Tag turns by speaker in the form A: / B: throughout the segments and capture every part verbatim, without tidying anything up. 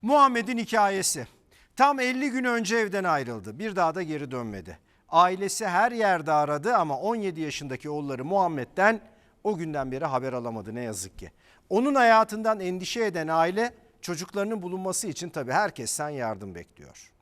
A: Muhammed'in hikayesi. Tam elli gün önce evden ayrıldı. Bir daha da geri dönmedi. Ailesi her yerde aradı ama on yedi yaşındaki oğulları Muhammed'den o günden beri haber alamadı ne yazık ki. Onun hayatından endişe eden aile çocuklarının bulunması için tabii herkesten yardım bekliyor.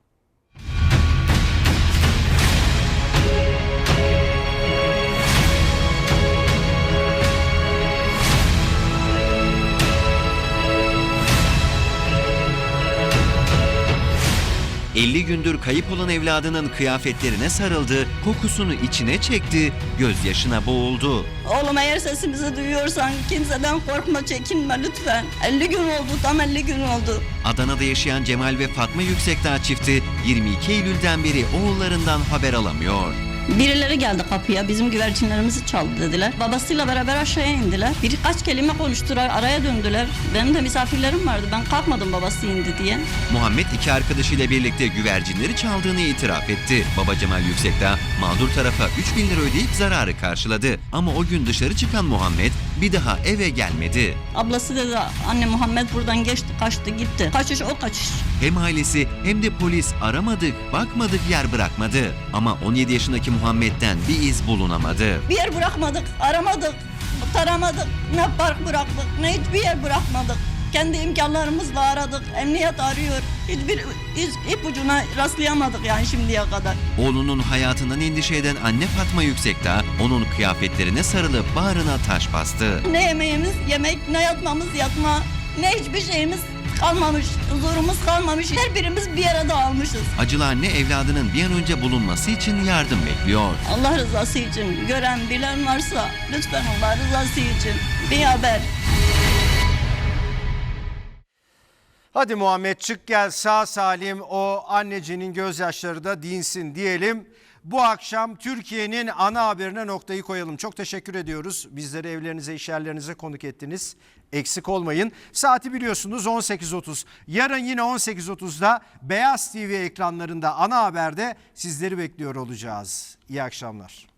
B: elli gündür kayıp olan evladının kıyafetlerine sarıldı, kokusunu içine çekti, gözyaşına boğuldu.
C: Oğlum eğer sesimizi duyuyorsan kimseden korkma, çekinme lütfen. elli gün oldu, tam elli gün oldu.
B: Adana'da yaşayan Cemal ve Fatma Yüksekdağ çifti yirmi iki Eylül'den beri oğullarından haber alamıyor.
C: Birileri geldi kapıya, bizim güvercinlerimizi çaldı dediler. Babasıyla beraber aşağıya indiler. Birkaç kelime konuştular, araya döndüler. Benim de misafirlerim vardı, ben kalkmadım babası indi diye.
B: Muhammed iki arkadaşıyla birlikte güvercinleri çaldığını itiraf etti. Baba Cemal Yüksekdağ mağdur tarafa üç bin lira ödeyip zararı karşıladı. Ama o gün dışarı çıkan Muhammed bir daha eve gelmedi.
C: Ablası dedi, anne Muhammed buradan geçti, kaçtı gitti. Kaçış o kaçış.
B: Hem ailesi hem de polis aramadık, bakmadık, yer bırakmadı. Ama on yedi yaşındaki Muhammed'den bir iz bulunamadı.
C: Bir yer bırakmadık, aramadık, taramadık, ne park bıraktık, ne hiçbir yer bırakmadık. Kendi imkanlarımızla aradık, emniyet arıyor. Hiçbir iz, ipucuna rastlayamadık yani şimdiye kadar.
B: Oğlunun hayatından endişe eden anne Fatma Yüksekdağ onun kıyafetlerine sarılıp bağrına taş bastı.
C: Ne yemeğimiz yemek, ne yatmamız yatma, ne hiçbir şeyimiz kalmamış, huzurumuz kalmamış. Her birimiz bir yere dağılmışız.
B: Acılı anne evladının bir an önce bulunması için yardım bekliyor.
C: Allah rızası için gören bilen varsa lütfen Allah rızası için bir haber.
A: Hadi Muhammed çık gel sağ salim, o annecinin gözyaşları da dinsin diyelim. Bu akşam Türkiye'nin ana haberine noktayı koyalım. Çok teşekkür ediyoruz. Bizleri evlerinize, iş yerlerinize konuk ettiniz. Eksik olmayın. Saati biliyorsunuz on sekiz otuz. Yarın yine on sekiz otuzda Beyaz T V ekranlarında ana haberde sizleri bekliyor olacağız. İyi akşamlar.